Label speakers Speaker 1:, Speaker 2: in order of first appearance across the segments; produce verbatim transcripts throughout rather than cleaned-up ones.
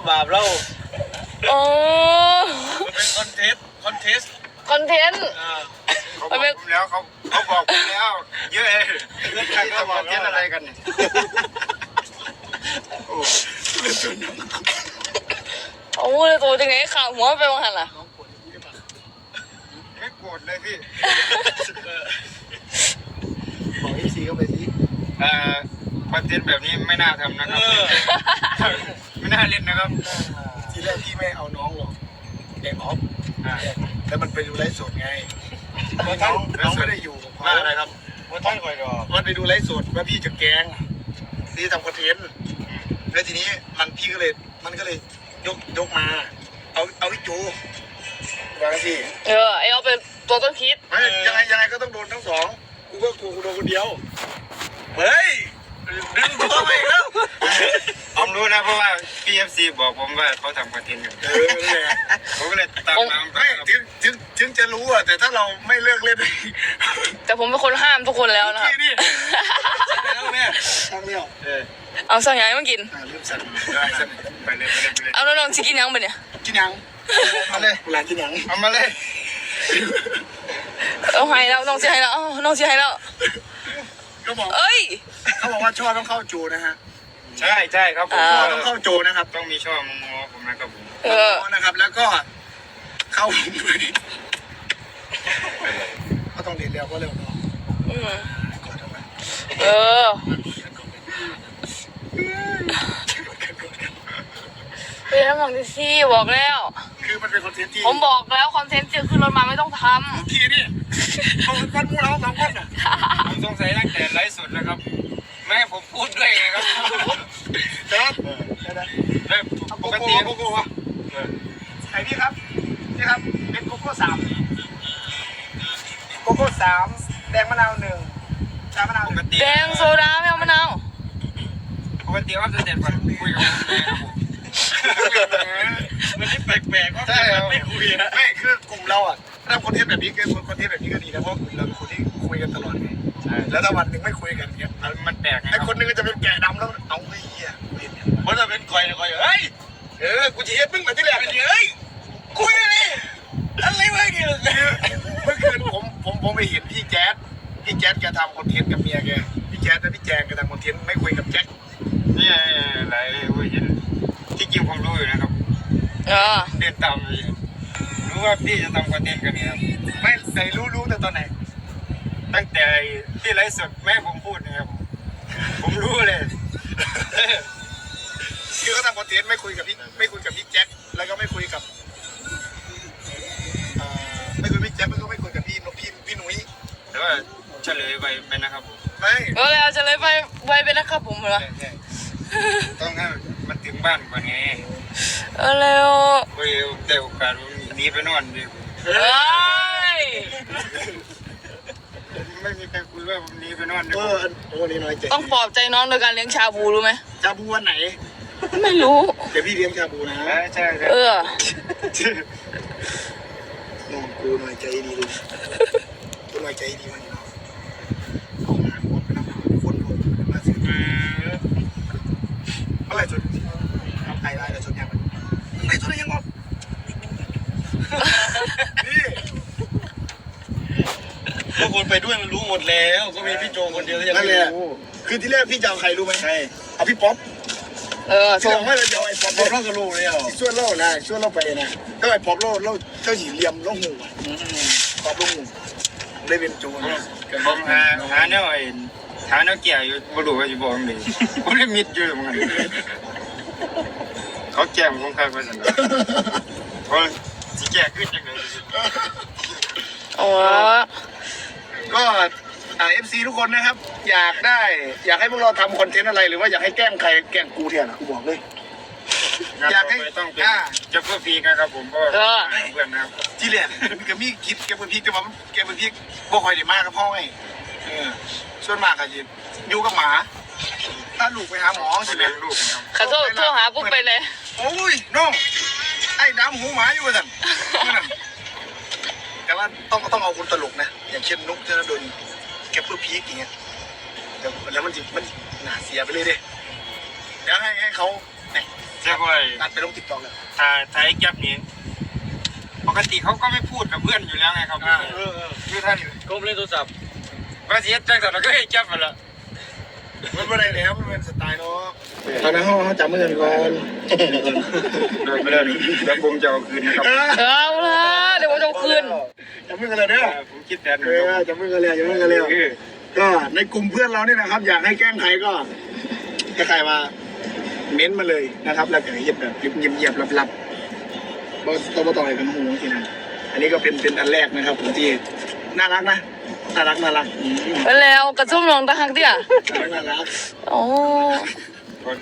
Speaker 1: บาปเรา
Speaker 2: โอ้
Speaker 1: มันเป็นคอนเทนต์คอนเทสต์
Speaker 2: คอนเทนต์
Speaker 3: เขาบอกผมแล้วเขาเขาบอกผมแล้วเยอะเลยเรื่องการทำคอนเทนต์อะไรกันเนี่ยโอ้
Speaker 2: โอ้เลยตัวจังไงข่าวหัวไปวังหันล่ะ
Speaker 3: ไม่โกรธเลยพี่บอกอีซีเข้าไปสิอ่าคอนเทนต์แบบนี้ไม่น่าทำนะครับไม่น่าเล่นนะครับทีแรกพี่ไม่เอาน้องหรอกเด็กออฟแล้วมันไปดูไลฟ์สดไงน้องน้องไม่ได้อยู่ว่าอะไรครับว่าท่านคอยรอมันไปดูไลฟ์สดว่าพี่จะแกงพี่ทำคอนเทนต์แล้วทีนี้มันพี่ก็เลยมันก็เลยยกยกมาเอาเอาพี่จูวางสิ
Speaker 2: เออไอเอาเป็นตัวต้นคิด
Speaker 3: ไม่ยังไงยังไงก็ต้องโดนทั้งสองกูก็กูกูโดนคนเดียวเฮ้ยดึงตัวไปแล้วผมรู้นะเพราะว่า พี เอฟ ซี บอกผมว่าเขาทำคอนเทนต์อยู่เออผมก็เลยตามน้ำไม่ถึงถึงถึงจะรู้อ่ะแต่ถ้าเราไม่เลิกเล่น
Speaker 2: แต่ผมเป็นคนห้ามทุกคนแล้วนะครับ
Speaker 3: นี่แล้วแม่ตั้งเลี้ยวเออ
Speaker 2: เอาสั่งยังมากิน
Speaker 3: ลืมสั่งได้สั่งไปเลยไปเลยไปเลย
Speaker 2: เอาน้องๆจะกินยังไปเนี่ย
Speaker 3: กินยังมาเลยหลานกินยังเอามาเลย
Speaker 2: เอาให้แล้วน้องจะให้แล้วน้องจะให้แล้ว
Speaker 3: ก็บอก
Speaker 2: เอ้ย
Speaker 3: เขาบอกว่าช่อต้องเข้าจูนะฮะใช่ใช่ครับผมช่อต้องเข้าจูนะครับต้องมีช่อมงอผมนะครับผมเออนะครับแล้วก็เข้าผมด้วยก็ต้องเรียนเร็วก็เร็วเนาะ
Speaker 2: เออเฮ้ยทำหนังดิซี่บอกแล้ว
Speaker 3: คือมันเป็นคอนเทนต์ที่
Speaker 2: ผมบอกแล้วคอนเทนต์จะขึ้นรถมาไม่ต้องท
Speaker 3: ำทีนี่เขาเป็นมูเราสองคนอ่ะผมสงสัยตั้งแต่ไลฟ์สดแล้วครับแม่ผมพูดด้วยไงครับเดี๋ยวเดี๋ยวปกติโกโก้ไอ้พี่ครับนี่ครับเป็นโกโก้สามโกโก้สามแดงมะนาวหนึ่งชามะนาว
Speaker 2: แดงโซดาไม่เอามะนาว
Speaker 3: ปกติว่าจะเด็ดกว่าคุยกับมันที่แปลกๆว่าไม่คุยไม่คือกลุ่มเราอ่ะถ้าคอนเทนต์แบบนี้คือคอนเทนต์แบบนี้ก็ดีนะเพราะกลุ่มเราเป็นคนที่คุยกันตลอดไงแล้วถ้าวันหนึ่งไม่คุยกันเนี้ยมันแปลกไงไอ้คนนึงก็จะเป็นแกะดำแล้วเอาไอ้เหี้ยเพราะถ้าเป็นคอยคอยเฮ้ยเออกูจะเฮ็ดมึงมาที่แรกเฮ้ยคุยอะไรอะไรวะเนี่ยเมื่อคืนผมผมผมไปเห็นพี่แจ๊ดพี่แจ๊ดแกทำคอนเทนต์กับเมียแกพี่แจ๊ดและพี่แจงแกทำคอนเทนต์ไม่คุยกับแจ็คนี่อะไรเว้ยที่จริงผมรู้อยู่นะครับเออเดินตามเลยรู้ว่าพี่จะทำคอนเทนต์กันเนี่ยครับไม่แต่รู้รู้แต่ตอนไหนตั้งแต่ที่ไลฟ์สดแม่ผมพูดนะครับผมรู้เลยคือเขาทำคอนเทนต์ไม่คุยกับพี่ไม่คุยกับพี่แจ็คแล้วก็ไม่คุยกับไม่คุยพี่แจ็คแล้วก็ไม่คุยกับพี่พี่พี่หนุ่ยแต่ว่าเฉลยไปไปนะครับผมไม่
Speaker 2: เออเอาเฉลยไปไปไปนะครับผมเหรอ
Speaker 3: ต้องให้มันถึงบ้านก่อนไง
Speaker 2: เออแล้ว
Speaker 3: เฮ้ยแต่โอกาสหนีไปนอนดิ
Speaker 2: เฮ้ย
Speaker 3: ไม่มีใครคุยว่าผมหนีไปนอนเออโอ้นี่น้อยใจ
Speaker 2: ต้องปลอบใจน้องโดยการเลี้ยงชาบูรู้ไหม
Speaker 3: ชาบูวันไหน
Speaker 2: ไม่รู้
Speaker 3: เดี๋ยวพี่เลี้ยงชาบูนะใช่
Speaker 2: เออ
Speaker 3: น้องกูน้อยใจดีเลยกูน้อยใจดีมันอะไรสุดทำไทยได้แต่สุดยังไงสุดยังงงนี่
Speaker 1: พวกคนไปด้วยมันรู้หมดแล้วก็มีพี่โจคนเดียวที่ยังไม่รู้
Speaker 3: คือที่แรกพี่จะเอาใครรู้ไหมใช่เอาพี่ป๊อป
Speaker 2: เออ
Speaker 3: ส่งไม่เลยจะเอาไอ้ป๊อป
Speaker 1: ป๊อปเล่าก็รู้เลยอ่ะ
Speaker 3: ช่วยเล่านะช่วยเล่าไปนะก็ไอ้ป๊อปเล่าเล่าเจ้าหญิงเลียมเล่าหูป๊อปเล่าหูได้เป็นโจรผมหาหาเนี่ยไอ้หาเนี่ยเกี่ยอยู่บรูว่าอยู่บ่องเลยผมได้มิดอยู่เหมือนกันเขาแก้มคงคาดไปสั่งเขาสิแก้ขึ้นยังไง
Speaker 2: อ๋อ
Speaker 3: ก็เอฟซีทุกคนนะครับอยากได้อยากให้พวกเราทำคอนเทนต์อะไรหรือว่าอยากให้แกล้งใครแกล้งกูเทียนกูบอกเลยอยากให้ต้องเป็นจะเพื่อพีนะครับผมก็เพื่อนนะครับที่แรกก็มีคิดแกเพื่อพีแต่ว่าแกเพื่อพีบ่คอยได้มากกับพ่อไงส่วนมากก็จะอยู่กับหมาถ้าลูกไปหาหมอใช่ไหมลูก
Speaker 2: ขอโทษโทรหาปุ๊บไปเลย
Speaker 3: โอ้ยน้องไอ้ดำหูหมาอยู่สั่นแต่ว่าต้องต้องเอาคนตลกนะอย่างเช่นนุ๊กธนดลแกเพื่อพีกอย่างเงี้ยแล้วมันจะมันหนาเสียไปเลยดิแล้วให้ให้เขาเนี่ย
Speaker 4: ใช่ไหม
Speaker 3: ตัดไปลงติ๊กต็อกเลย
Speaker 4: ถ่ายถ่ายแก๊ปนี้ปกติเขาก็ไม่พูดกับเพื่อนอยู่แล้วไงครับคือท่าน
Speaker 1: ก้มเล่นโทรศัพท์
Speaker 4: ว่าเสียจังแต่เราก็ให้แก๊ปไปละ
Speaker 3: มันไม่ได้แล้วมันเป็นสไตล์เนาะตอนนั้นห้องเขาจับมือกันก่อน
Speaker 4: เดินไปเลยแล้วผมจะเอาคืนนะครับ
Speaker 2: เอาละเดี๋ยวผมจะเอาคืน
Speaker 3: จับมือกันเลยเนี่ย
Speaker 4: ผมคิดแทน
Speaker 3: เออจับมือกันเลยจับมือกันเลยก็ในกลุ่มเพื่อนเราเนี่ยนะครับ อยากให้แกล้งใครก็ถ้าใครมาเม้นมาเลยนะครับแล้วก็เงียบแบบเงียบเงียบๆลับๆเราเราต้องอะไรกันหูทีนั้นอันนี้ก็เป็นเป็นอันแรกนะครับผมที่น่ารักนะน่ารักน่ารักอืม
Speaker 2: ไปแล้วกระซุ่มลองตะหักเดี่ย
Speaker 3: น่ารักน่ารัก
Speaker 2: โอ้
Speaker 4: คน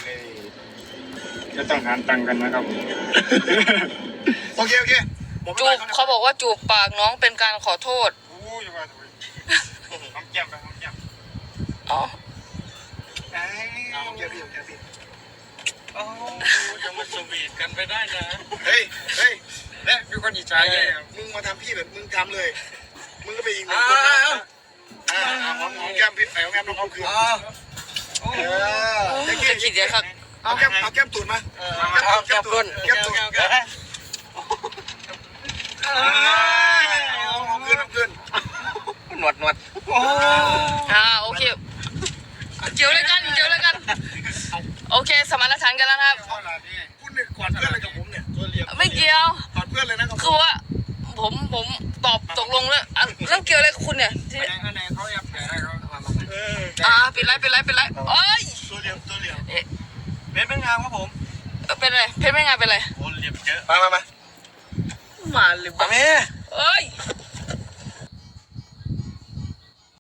Speaker 4: จะต้องหารตังค์กันนะครับ
Speaker 3: โอเคโอเคผม
Speaker 2: จูบเขาบอกว่าจูบปากน้องเป็นการขอโทษ
Speaker 4: โอ้ยว่าหอมแก้มไปหอมแก้ม
Speaker 2: อ๋อ
Speaker 3: เอาโอเคพี่โอเคพี่
Speaker 1: โอ้จะมาสวีทกันไปได้นะ
Speaker 3: เฮ้ยเฮ้ย
Speaker 4: และมีคนอิจฉาเยอะครับ
Speaker 3: มึงมาทำพี่แบบมึงทำเลย มึงก็ไปอีกหนึ่งคนนะอ่าหอมหอมแก้มพี่หอมแก้มน้องเขาคืนเออ
Speaker 2: จะคิดเดี๋ยวครับ
Speaker 3: เอาแก้มเอาแก้มตูดมาเอาแก้มตูดแก้มตูดแก้มเอาเอาคืนเอาคืน
Speaker 4: หนวดหนวด
Speaker 2: อ่าโอเคเกี่ยวเลยกันเกี่ยวเลยกันโอเคสมานฉันท์กันแล้วนะครับ
Speaker 3: คุณเนี่ยกอดเพื่อนเลยกับผมเนี่ย
Speaker 2: ไม่เกี่ยว
Speaker 3: กอดเพื่อนเลยนะกับผ
Speaker 2: คือ
Speaker 3: ม
Speaker 2: ว่าผมผมตอบตกลงแล้วอ่ะเรื่องเกี่ยวอะไรกับคุณเนี่ยที่
Speaker 4: อันไหนเขาแอบแฝงให้เขา
Speaker 2: อ่าเป็นไรเป็นไรเป็นไรเอ้ย
Speaker 1: ตัวเหลี่ยมตัวเหลี่ยม
Speaker 2: เอ๊ะ
Speaker 1: เป็นเป็นงามครับผม
Speaker 2: เป็นไรเพชรไม่งานเป็นไร
Speaker 1: โอ้เหลี่ยมเยอะ
Speaker 3: มามามา
Speaker 2: มาเลย
Speaker 3: มาแม่
Speaker 2: เอ้ย